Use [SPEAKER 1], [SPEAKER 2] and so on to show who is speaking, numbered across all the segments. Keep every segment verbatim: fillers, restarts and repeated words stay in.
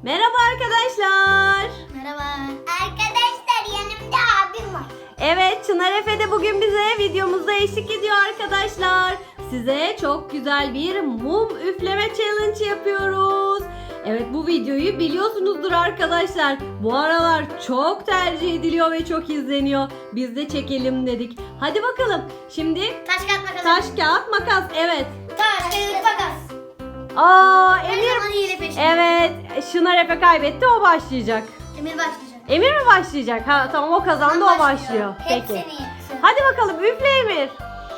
[SPEAKER 1] Merhaba arkadaşlar.
[SPEAKER 2] Merhaba. Arkadaşlar yanımda abim var.
[SPEAKER 1] Evet, Çınar Efe de bugün bize videomuzda eşlik ediyor arkadaşlar. Size çok güzel bir mum üfleme challenge yapıyoruz. Evet, bu videoyu biliyorsunuzdur arkadaşlar. Bu aralar çok tercih ediliyor ve çok izleniyor. Biz de çekelim dedik. Hadi bakalım. Şimdi
[SPEAKER 2] Taş kağıt makas.
[SPEAKER 1] taş kağıt makas. Evet.
[SPEAKER 2] Taş kağıt makas.
[SPEAKER 1] Aa,
[SPEAKER 2] Her
[SPEAKER 1] Emir.
[SPEAKER 2] zaman hile peşinde.
[SPEAKER 1] Evet, Çınar Efe kaybetti, o başlayacak.
[SPEAKER 2] Emir başlayacak.
[SPEAKER 1] Emir mi başlayacak? Ha tamam, o kazandı, o başlıyor. Peki.
[SPEAKER 2] Hepsini yapsın.
[SPEAKER 1] Hadi bakalım, üfle Emir.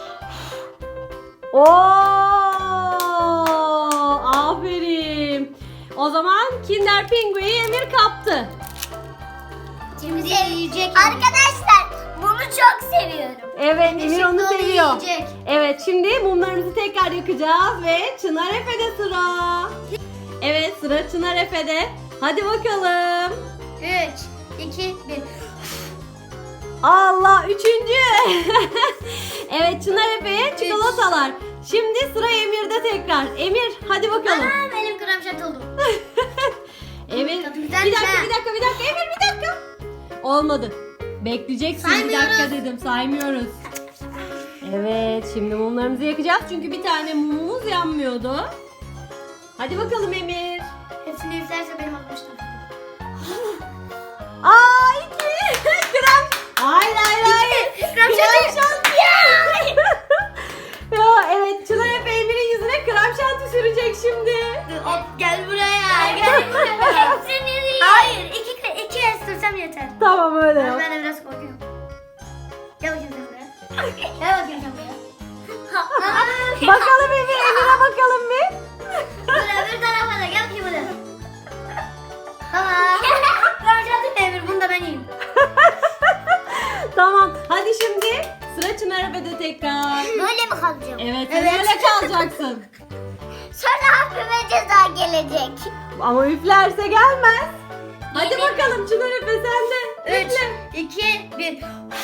[SPEAKER 1] Oo! Aferin. O zaman Kinder Pingu'yu Emir kaptı.
[SPEAKER 2] Şimdi yiyecek. Arkadaşlar bunu çok seviyorum.
[SPEAKER 1] Evet, Emir onu
[SPEAKER 2] şimdi onu
[SPEAKER 1] seviyor.
[SPEAKER 2] yiyecek.
[SPEAKER 1] Evet, şimdi mumlarımızı tekrar yakacağız ve Çınar Efe'de sıra. Evet, sıra Çınar Efe'de. Hadi bakalım.
[SPEAKER 2] üç, iki, bir.
[SPEAKER 1] Allah, üçüncü. Evet, Çınar Efe'ye çikolatalar. Şimdi sıra Emir'de tekrar. Emir, hadi bakalım.
[SPEAKER 2] Aa, benim krem şart oldu.
[SPEAKER 1] Emir,
[SPEAKER 2] Tadı
[SPEAKER 1] bir
[SPEAKER 2] güzelmiş
[SPEAKER 1] dakika,
[SPEAKER 2] ha.
[SPEAKER 1] bir dakika, bir dakika. Emir, bir dakika. Olmadı. Bekleyeceksin, bir
[SPEAKER 2] Saymıyoruz.
[SPEAKER 1] dakika dedim. Saymıyoruz. Evet, şimdi mumlarımızı yakacağız. Çünkü bir tane mumumuz yanmıyordu. Hadi bakalım Emir.
[SPEAKER 2] Hepsini üflerse benim atmıştım.
[SPEAKER 1] Aa, iki. Krem. Hayır, hayır, hayır.
[SPEAKER 2] Krem şanti.
[SPEAKER 1] Ya evet, Çınar Efe Emir'in yüzüne krem şanti sürecek şimdi.
[SPEAKER 2] Hop gel buraya. Gel buraya. Hepsini yiyeyim. Hayır. iki, iki el sürsem yeter.
[SPEAKER 1] Tamam, öyle yap.
[SPEAKER 2] Ben de biraz korkuyorum. Gel bakayım sen buraya. Gel bakayım sen buraya.
[SPEAKER 1] Bakalım Emir, Emir'e bakalım bir.
[SPEAKER 2] Buraya bir tarafa da gel bakayım buraya. Tamam. Göreceğim Emir, bunu da ben yiyeyim.
[SPEAKER 1] Tamam, hadi şimdi sıra Çınar Efe'de tekrar.
[SPEAKER 2] Böyle mi kalacağım?
[SPEAKER 1] Evet, sen
[SPEAKER 2] Evet.
[SPEAKER 1] öyle kalacaksın.
[SPEAKER 2] Sonra abime ceza gelecek.
[SPEAKER 1] Ama üflerse gelmez. Hadi
[SPEAKER 2] Yemin
[SPEAKER 1] bakalım Çınar Efe, sen de.
[SPEAKER 2] üç, iki, bir.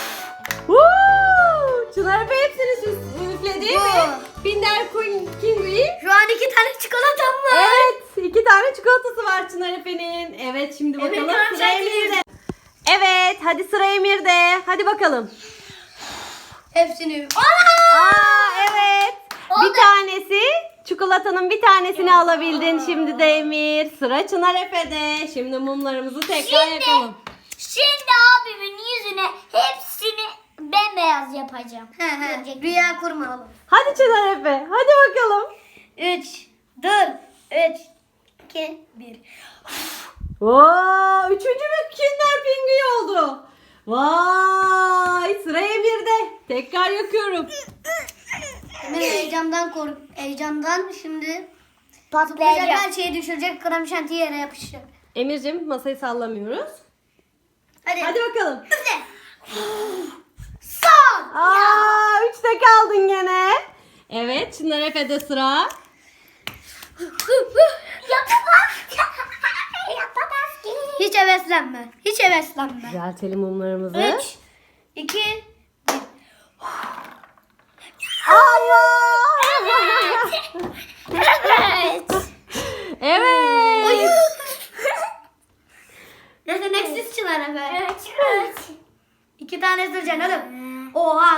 [SPEAKER 1] Woo! Çınar Efe hepsini süs- üfledi
[SPEAKER 2] Bu.
[SPEAKER 1] ve Kinder Pingu'yu.
[SPEAKER 2] Şu an iki tane çikolatam var.
[SPEAKER 1] Evet, iki tane çikolatası var Çınar Efe'nin. Evet, şimdi
[SPEAKER 2] Emir
[SPEAKER 1] bakalım
[SPEAKER 2] krem
[SPEAKER 1] sıra
[SPEAKER 2] şanti
[SPEAKER 1] Emir'de. Evet, hadi sıra Emir'de. Hadi bakalım.
[SPEAKER 2] Hepsini.
[SPEAKER 1] Aa, evet. Bir
[SPEAKER 2] Oldu.
[SPEAKER 1] tanesi, çikolatanın bir tanesini alabildin şimdi de Emir. Sıra Çınar Efe'de. Şimdi mumlarımızı tekrar
[SPEAKER 2] Şimdi-
[SPEAKER 1] yakalım.
[SPEAKER 2] Şimdi abimin yüzüne hepsini bembeyaz yapacağım. He he. Rüya kurma oğlum.
[SPEAKER 1] Hadi Çınar Efe, hadi bakalım.
[SPEAKER 2] Üç, dur. Üç, iki, bir.
[SPEAKER 1] Oo, üçüncü bir Kinder Pingu'yu oldu. Vay, sıra Emir'de. Tekrar yakıyorum.
[SPEAKER 2] Ben heyecandan kork, heyecandan şimdi patlayacak, her şeyi düşürecek, krem şanti yere yapışacak.
[SPEAKER 1] Emir'cim, masayı sallamıyoruz.
[SPEAKER 2] Hadi.
[SPEAKER 1] Hadi bakalım.
[SPEAKER 2] Üfle. Son.
[SPEAKER 1] Aa, üçte kaldın gene. Evet, Çınar Efe'de sıra.
[SPEAKER 2] Yapamaz. Yapamaz ki. Hiç heveslenme. Hiç heveslenme.
[SPEAKER 1] Düzeltelim mumlarımızı.
[SPEAKER 2] Üç, iki, bir.
[SPEAKER 1] Allah!
[SPEAKER 2] Evet.
[SPEAKER 1] Evet.
[SPEAKER 2] Yeteneksiz Çınar Efe. Evet. İki tane süreceksin oğlum. Oha.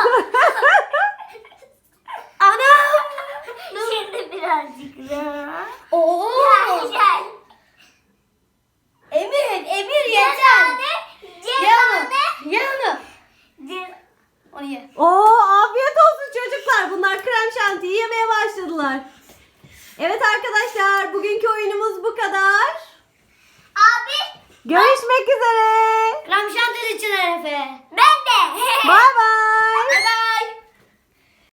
[SPEAKER 2] Anam. Şimdi birazcık daha. Oo. Gel gel. Emir, Emir yeter. Ye onu. Ye onu. Onu ye.
[SPEAKER 1] Oo, afiyet olsun çocuklar. Bunlar krem şantiyi yemeye başladılar. Evet arkadaşlar, bugünkü oyunumuz bu kadar.
[SPEAKER 2] Abi.
[SPEAKER 1] Görüşmek üzere.
[SPEAKER 2] Krem şanti Çınar Efe. Ben de.
[SPEAKER 1] Bay bay.
[SPEAKER 2] Bye bye.